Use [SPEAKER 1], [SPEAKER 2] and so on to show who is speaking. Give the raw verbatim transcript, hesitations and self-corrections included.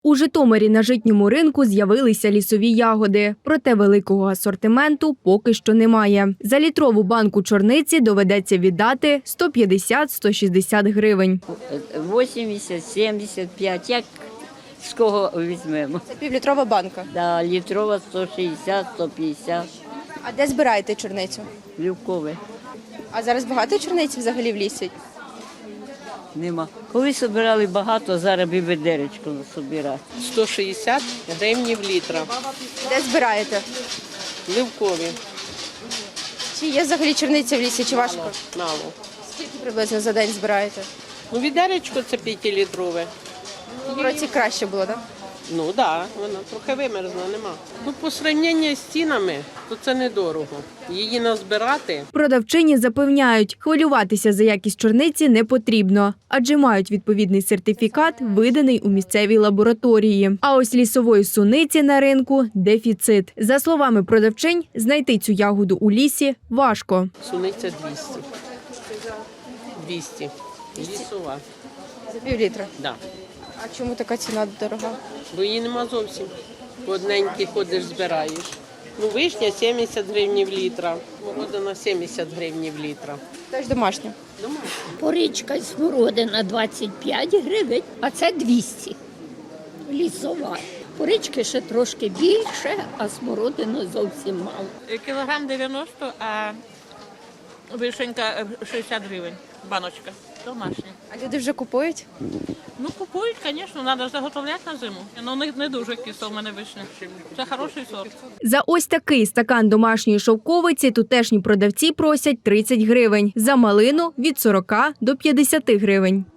[SPEAKER 1] У Житомирі на житньому ринку з'явилися лісові ягоди, проте великого асортименту поки що немає. За літрову банку чорниці доведеться віддати сто п'ятдесят - сто шістдесят гривень.
[SPEAKER 2] вісімдесят, сімдесят п'ять, як з кого візьмемо.
[SPEAKER 3] Це півлітрова банка.
[SPEAKER 2] Да, літрова сто шістдесят - сто п'ятдесят,
[SPEAKER 3] А де збираєте чорницю?
[SPEAKER 2] Любкове.
[SPEAKER 3] А зараз багато чорниці взагалі в лісі?
[SPEAKER 2] Нема. Коли збирали багато, зараз би ведеречко збирати.
[SPEAKER 4] сто шістдесят гривень літра.
[SPEAKER 3] Де збираєте?
[SPEAKER 4] Ливкові.
[SPEAKER 3] Чи є взагалі чорниця в лісі, чи важко?
[SPEAKER 4] Мало.
[SPEAKER 3] Скільки приблизно за день збираєте?
[SPEAKER 4] Ну, відеречко це п'ятилітрове.
[SPEAKER 3] В році краще було, так?
[SPEAKER 4] Ну так, да, вона трохи вимерзла, нема. Ну, по порівнянні з цінами, то це недорого. Її назбирати.
[SPEAKER 1] Продавчині запевняють, хвилюватися за якість чорниці не потрібно, адже мають відповідний сертифікат, виданий у місцевій лабораторії. А ось лісової суниці на ринку – дефіцит. За словами продавчинь, знайти цю ягоду у лісі важко.
[SPEAKER 4] Суниця двісті. двісті. Лісова.
[SPEAKER 3] За півлітра.
[SPEAKER 4] Да.
[SPEAKER 3] А чому така ціна дорога?
[SPEAKER 4] Бо її нема зовсім. По одненькій ходиш, збираєш. Ну, вишня сімдесят гривень літра, молодина сімдесят гривень літра.
[SPEAKER 3] Теж домашня.
[SPEAKER 5] Порічка і смородина двадцять п'ять гривень, а це двісті. Лісова. Порічки ще трошки більше, а смородини зовсім мало.
[SPEAKER 6] Кілограм дев'яносто, а вишенька шістдесят гривень, баночка, домашня.
[SPEAKER 3] А люди вже купують?
[SPEAKER 6] Ну, купують, звісно, треба заготовляти на зиму. Ну, у них не дуже кисло в мене вишня. Це хороший сорт.
[SPEAKER 1] За ось такий стакан домашньої шовковиці тутешні продавці просять тридцять гривень, за малину – від сорока до п'ятдесяти гривень.